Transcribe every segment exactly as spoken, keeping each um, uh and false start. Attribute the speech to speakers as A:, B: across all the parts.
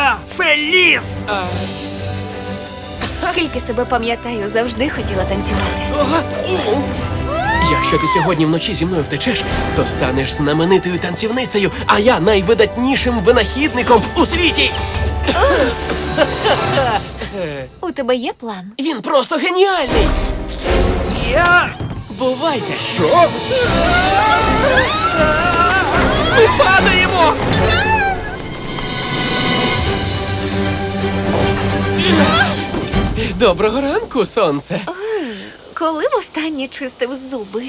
A: Я Феліс!
B: Скільки себе пам'ятаю, завжди хотіла танцювати.
C: Якщо ти сьогодні вночі зі мною втечеш, то станеш знаменитою танцівницею, а я найвидатнішим винахідником у світі.
B: У тебе є план?
C: Він просто геніальний.
A: Я...
C: Бувайте.
A: Що? Ми падаємо!
C: Доброго ранку, сонце.
B: Коли востаннє чистив зуби?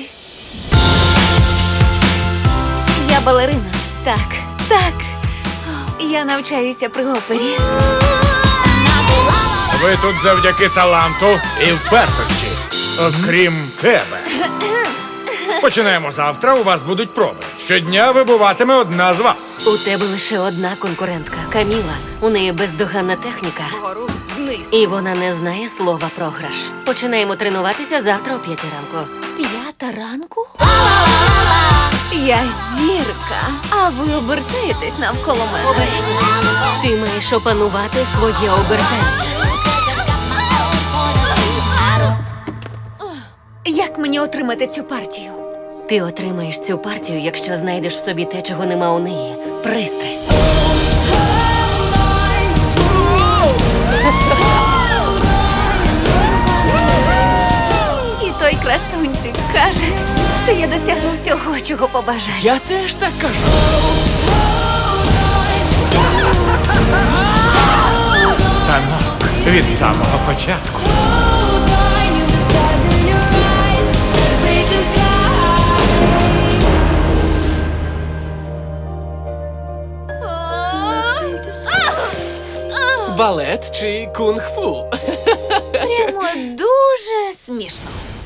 B: Я балерина. Так, так. Я навчаюся при опері.
D: Ви тут завдяки таланту і впертості. Окрім тебе. Починаємо завтра, у вас будуть проби. Щодня вибуватиме одна з вас.
E: У тебе лише одна конкурентка – Каміла. У неї бездоганна техніка. І вона не знає слова програш. Починаємо тренуватися завтра о п'ятій ранку.
B: П'ята ранку? Я зірка, а ви обертаєтесь навколо мене.
E: Ти маєш опанувати своє обертання.
B: Як мені отримати цю партію?
E: Ти отримаєш цю партію, якщо знайдеш в собі те, чого нема у неї. Пристрасть.
B: І той красунчик каже, що я досягну всього, чого побажаю.
C: Я теж так кажу.
D: Танок від самого початку.
C: Балет чи кунг-фу?
B: Прямо дуже смішно.